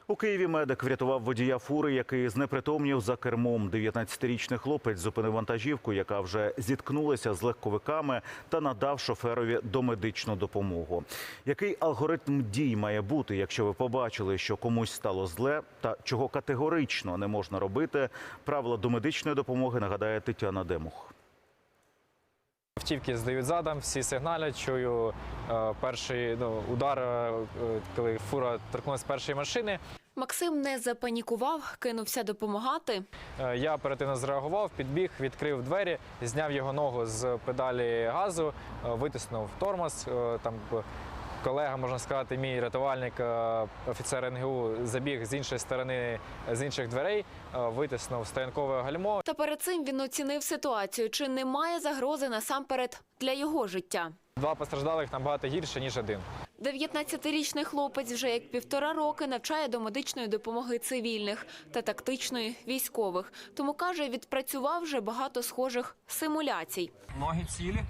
У Києві медик врятував водія фури, який знепритомнів за кермом. 19-річний хлопець зупинив вантажівку, яка вже зіткнулася з легковиками, та надав шоферові домедичну допомогу. Який алгоритм дій має бути, якщо ви побачили, що комусь стало зле, та чого категорично не можна робити? Правила домедичної допомоги нагадає Тетяна Демух. Автівки здають задом, всі сигналять, чую перший удар, коли фура торкнулася першої машини. Максим не запанікував, кинувся допомагати. Я оперативно зреагував, підбіг, відкрив двері, зняв його ногу з педалі газу, витиснув тормоз. Там колега, можна сказати, мій рятувальник, офіцер НГУ, забіг з іншої сторони, з інших дверей, витиснув стоянкове гальмо. Та перед цим він оцінив ситуацію, чи немає загрози насамперед для його життя. 2 постраждалих набагато гірше, ніж 1. 19-річний хлопець вже як 1,5 роки навчає до медичної допомоги цивільних та тактичної військових. Тому, каже, відпрацював вже багато схожих симуляцій. Ноги цілі.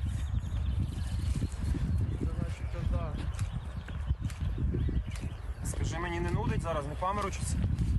Скажи, мені не нудить зараз, не паморочиться?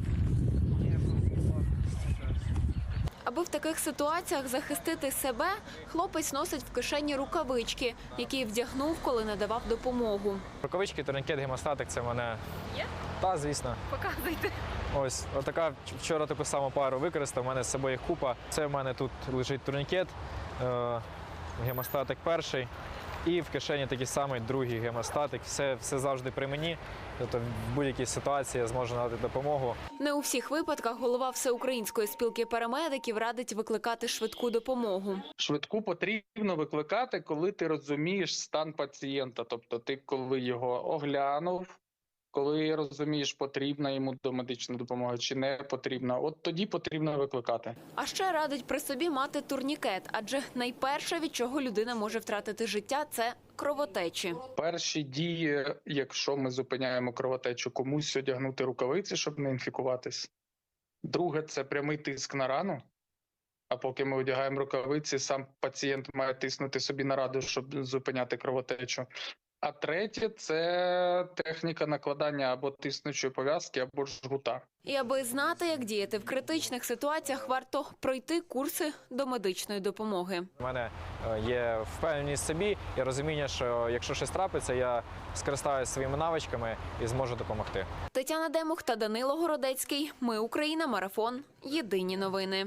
Аби в таких ситуаціях захистити себе, хлопець носить в кишені рукавички, які вдягнув, коли надавав допомогу. Рукавички, турнікет, гемостатик – це в мене… Є? Та, звісно. Показуйте. Ось, отака, вчора таку саму пару використав, у мене з собою їх купа. Це в мене тут лежить турнікет, гемостатик перший. І в кишені такий самий другий гемостатик. Все завжди при мені. Тобто в будь-якій ситуації я зможу надати допомогу. Не у всіх випадках голова Всеукраїнської спілки парамедиків радить викликати швидку допомогу. Швидку потрібно викликати, коли ти розумієш стан пацієнта. Тобто ти, коли його оглянув, коли розумієш, потрібна йому домедична допомога чи не потрібна, от тоді потрібно викликати. А ще радить при собі мати турнікет, адже найперше, від чого людина може втратити життя – це кровотечі. Перші дії, якщо ми зупиняємо кровотечу, комусь одягнути рукавиці, щоб не інфікуватись. Друге – це прямий тиск на рану. А поки ми одягаємо рукавиці, сам пацієнт має тиснути собі на рану, щоб зупиняти кровотечу. А третє – це техніка накладання або тиснучої пов'язки, або жгута. І аби знати, як діяти в критичних ситуаціях, варто пройти курси домедичної допомоги. У мене є впевненість в собі і розуміння, що якщо щось трапиться, я скористаюся своїми навичками і зможу допомогти. Тетяна Демух та Данило Городецький. Ми Україна. Марафон. Єдині новини.